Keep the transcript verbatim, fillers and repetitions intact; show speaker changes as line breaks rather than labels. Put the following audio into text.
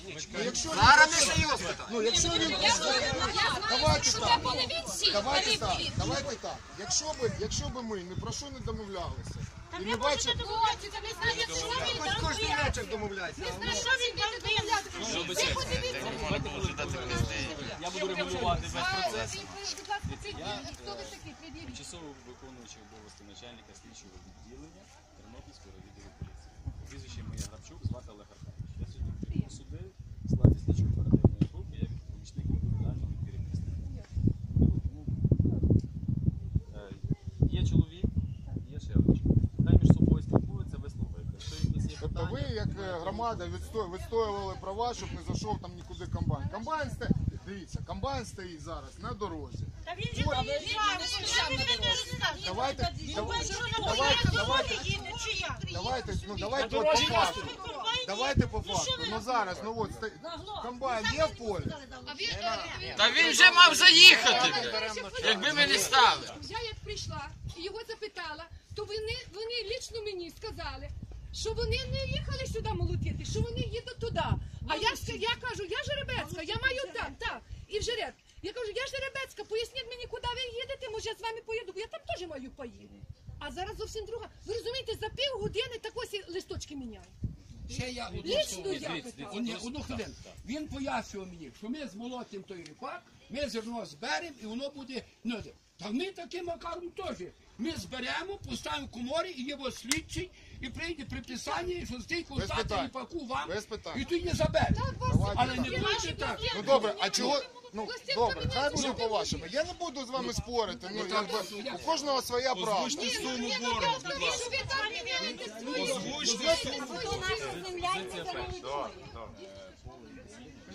Зараз ми ще його спитаємо.
Ну, якщо він... Давайте так. Давайте так. Давайте так. Якщо би, якщо би ми ні про що не домовлялися, і не бачили...
Хоч кожен вечір домовляйся.
Я буду регулювати весь процес. Тимчасово виконуючий обов'язки начальника слідчого відділення Тернопільського відділу поліції. Прізвище моє Грабчук, звати Олег Аркадійович. Я сьогодні прибув сюди в складі слідчої оперативної групи, як помічник відповідального керівництва. Є чоловік, є ще один чоловік. Хай між собою спілкуються, вислухайте.
Тобто ви, як громада, відстоювали права, щоб не зайшов там нікуди комбайн. Комбайн стоїть, дивіться, комбайн стоїть зараз на дорозі. Давайте, давайте, давайте, давайте, ну давайте от по факту. Давайте по факту. Ну зараз, ну от, комбайн є в полі?
Та він вже мав заїхати, якби ми не стали.
Я як прийшла і його запитала, то вони, вони лічно мені сказали, що вони не їхали сюди молотити, що вони їдуть туди. А я, я кажу, я Жеребецька, я маю там, так, і в Жереб. Я кажу, я Жеребецька, поясніть мені, куди ви їдете, може я з вами поїду, бо я там теж маю поїду. А зараз зовсім друга. Ви розумієте, за пів години так ось листочки міняють.
Ще я
Лічно я питала.
одну хвилину. Він пояснював мені, що ми змолотимо той ріпак, ми зерно зберемо і воно буде... Ну, та ми таким макаром теж. Ми зберемо, поставимо в коморі і його слідчий, і прийде приписання, що стільки остати ріпаку вам, і тоді забере. Але не буде так.
Ну добре, а чого... Ну, добре, хай буде по-вашому. Я не буду з вами спорити, ну, якби, у кожного своя правда.
Озвучте суму боргу, будь ласка. Озвучте суму.
Позиція перша.